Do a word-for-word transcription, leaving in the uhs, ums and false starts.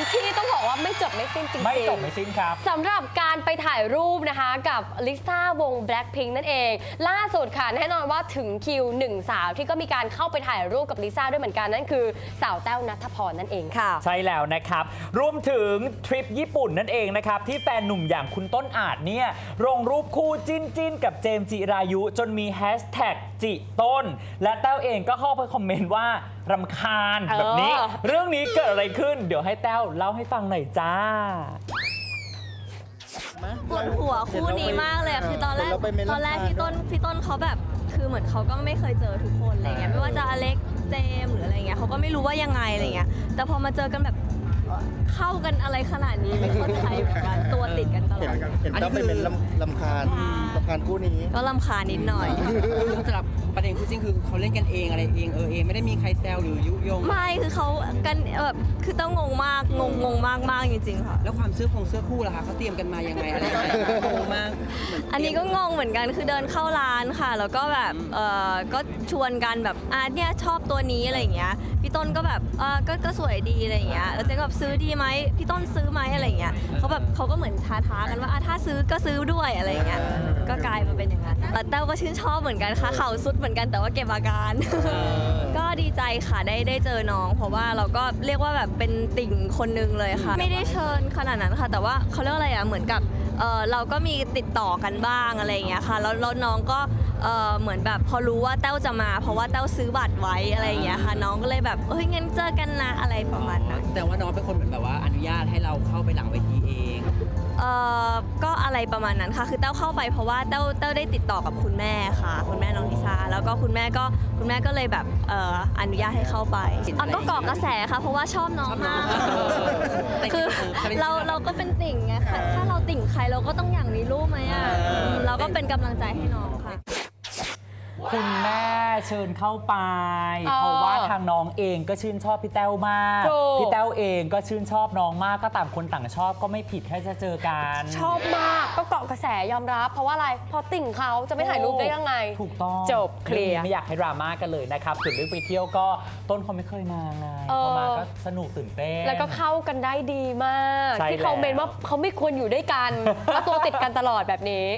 ที่ต้องบอกว่าไม่จบไม่สิ้นจริงๆไม่จบไม่สิ้นครับสำหรับการไปถ่ายรูปนะคะกับลิซ่าวง Blackpink นั่นเองล่าสุดค่ะแน่นอนว่าถึงคิวหนึ่งสาวที่ก็มีการเข้าไปถ่ายรูปกับลิซ่าด้วยเหมือนกันนั่นคือสาวแต้วณัฐพรนั่นเองค่ะใช่แล้วนะครับรวมถึงทริปญี่ปุ่นนั่นเองนะครับที่แฟนหนุ่มอย่างคุณต้นอาจเนี่ยลงรูปคู่จิ้นจิ้นกับเจมส์จิรายุจนมีแฮชแท็กจิต้นและแต้วเองก็เข้าไปคอมเมนต์ว่ารำคาญแบบนี้เรื่องนี้เกิดอะไรขึ้นเดี๋ยวให้แต้วเล่าให้ฟังหน่อยจ้าปวดหัวคู่นี้มากเลยคือตอนแรกตอนแรกพี่ต้นพี่ต้นเขาแบบคือเหมือนเขาก็ไม่เคยเจอทุกคนอะไรเงี้ยไม่ว่าจะอเล็กเจมหรืออะไรเงี้ยเขาก็ไม่รู้ว่ายังไงอะไรเงี้ยแต่พอมาเจอกันแบบเข้ากันอะไรขนาดนี้ไม่เข้าใจเหมือนกันตัวติดกันตลอดเห็นต้องไปเป็นลำคาญลำคาญคู่นี้ก็ลำคาญนิดหน่อยสำหรับประเด็นคู่จริงคือเขาเล่นกันเองอะไรเองเออเองไม่ได้มีใครแซวหรือยุยงไม่คือเขากันแบบคือต้องงงมากงงงงมากมากจริงๆค่ะแล้วความเสื้อคงเสื้อคู่ล่ะคะเขาเตรียมกันมายังไงอะไรยังไงงงมากอันนี้ก็งงเหมือนกันคือเดินเข้าร้านค่ะแล้วก็แบบเออก็ชวนกันแบบอ่ะเนี่ยชอบตัวนี้อะไรอย่างเงี้ยพี่ต้นก็แบบเออก็ก็สวยดีอะไรอย่างเงี้ยแล้วเจ๊ก็แบบซื้อดีไหมพี่ต้นซื้อไหมอะไรอย่างเงี้ยเขาแบบเขาก็เหมือนท้าท้ากันว่าถ้าซื้อก็ซื้อด้วยอะไรอย่างเงี้ยก็กลายมาเป็นอย่างนั้นแต่แต้วก็ชื่นชอบเหมือนกันค่ะเข่าสุดเหมือนกันแต่ว่าเก็บอาการก็ดีใจค่ะได้ได้เจอน้องเพราะว่าเราก็เรียกว่าแบบเป็นติ่งคนนึงเลยค่ะไม่ได้เชิญขนาดนั้นค่ะแต่ว่าเขาเรียกว่าอะไรอ่ะเหมือนกับเออเราก็มีติดต่อกันบ้างอะไรอย่างเงี้ยค่ะแล้วแล้วน้องก็เออเหมือนแบบพอรู้ว่าแต้วจะมาเพราะว่าแต้วซื้อบัตรไว้อะไรอย่างเงี้ยค่ะน้องก็เลยแบบเฮ้ยงั้นเจอกันนะอะไรประมาณนั้นแต่ว่าน้องเป็นคนเหมือนแบบว่าอนุญาตให้เราเข้าไปหลังเวทีเองเอ่อก็อะไรประมาณนั้นค่ะคือแต้วเข้าไปเพราะว่าแต้วแต้วได้ติดต่อกับคุณแม่ค่ะคุณแม่น้องลิซ่าแล้วก็คุณแม่ก็คุณแม่ก็เลยแบบเอ่ออนุญาตให้เข้าไปอ่ะก็เกาะกระแสค่ะเพราะว่าชอบน้องมากคือเราเราก็เป็นติ่งไงถ้าเราติ่งใครเราก็ต้องอย่างมีรูปไหมอ่ะเราก็เป็นกำลังใจให้น้องค่ะคุณแม่เชิญเข้าไปเพราะว่าทางน้องเองก็ชื่นชอบพี่แต้วมากพี่แต้วเองก็ชื่นชอบน้องมากก็ต่างคนต่างชอบก็ไม่ผิดแค่จะเจอกันชอบมากก็เกาะกระแสยอมรับเพราะว่าอะไรพอติ่งเขาจะไม่ถ่ายรูปได้ยังไงถูกต้องจบเคลียร์ไม่อยากให้ดราม่ากันเลยนะครับส่วนเรื่องไปเที่ยวก็ต้นเขาไม่เคยมาไงพอมาก็สนุกตื่นเต้นแล้วก็เข้ากันได้ดีมากที่เขาเมนว่าเขาไม่ควรอยู่ด้วยกันแล้วตัวติดกันตลอดแบบนี้